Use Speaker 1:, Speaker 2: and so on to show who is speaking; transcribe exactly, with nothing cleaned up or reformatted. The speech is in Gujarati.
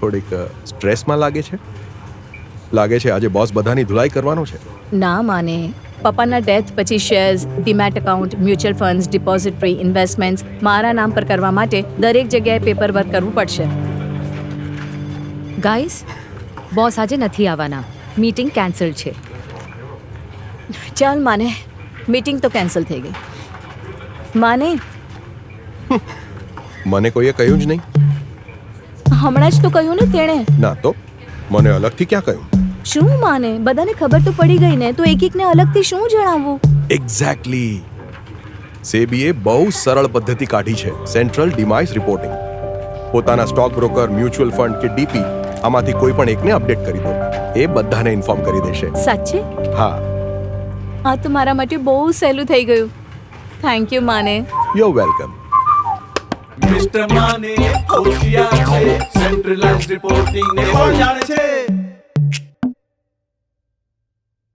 Speaker 1: થોડીક સ્ટ્રેસમાં લાગે છે. લાગે છે આજે બોસ બધાની ધુલાઈ કરવાનો છે.
Speaker 2: ના માને, પપ્પાના ડેથ પછી shares, demat account, mutual funds, depository, investments મારા નામ પર કરવા માટે દરેક જગ્યાએ પેપર વર્ક કરવું પડશે.
Speaker 3: ગાઈસ, બોસ આજે નથી આવવાના. મીટિંગ કેન્સલ છે.
Speaker 2: ચાલ માને, મીટિંગ તો કેન્સલ થઈ ગઈ. માને,
Speaker 1: મને કોઈએ કહ્યું જ નહીં.
Speaker 2: હમણાં જ તો કહ્યું ને તેણે.
Speaker 1: ના તો મને અલગથી ક્યાં કહ્યું?
Speaker 2: શું માને, બધાને ખબર તો પડી ગઈ ને, તો એક એકને અલગથી શું જણાવવું?
Speaker 1: એક્ઝેક્ટલી. સેબીએ બહુ સરળ પદ્ધતિ કાઢી છે, સેન્ટ્રલ ડિમાઇસ રિપોર્ટિંગ. પોતાના સ્ટોક બ્રોકર, મ્યુચ્યુઅલ ફંડ કે ડીપી આમાંથી કોઈ પણ એકને અપડેટ કરી દો, એ બધાને ઇન્ફોર્મ કરી દેશે.
Speaker 2: સાચે?
Speaker 1: હા.
Speaker 2: આ તો મારા માટે બહુ સહેલું થઈ ગયું. Thank you Mane.
Speaker 1: You welcome.
Speaker 4: Mister Mane હોશિયાર છે, સેન્ટ્રલાઇઝ્ડ રિપોર્ટિંગ ને પણ જાણે છે.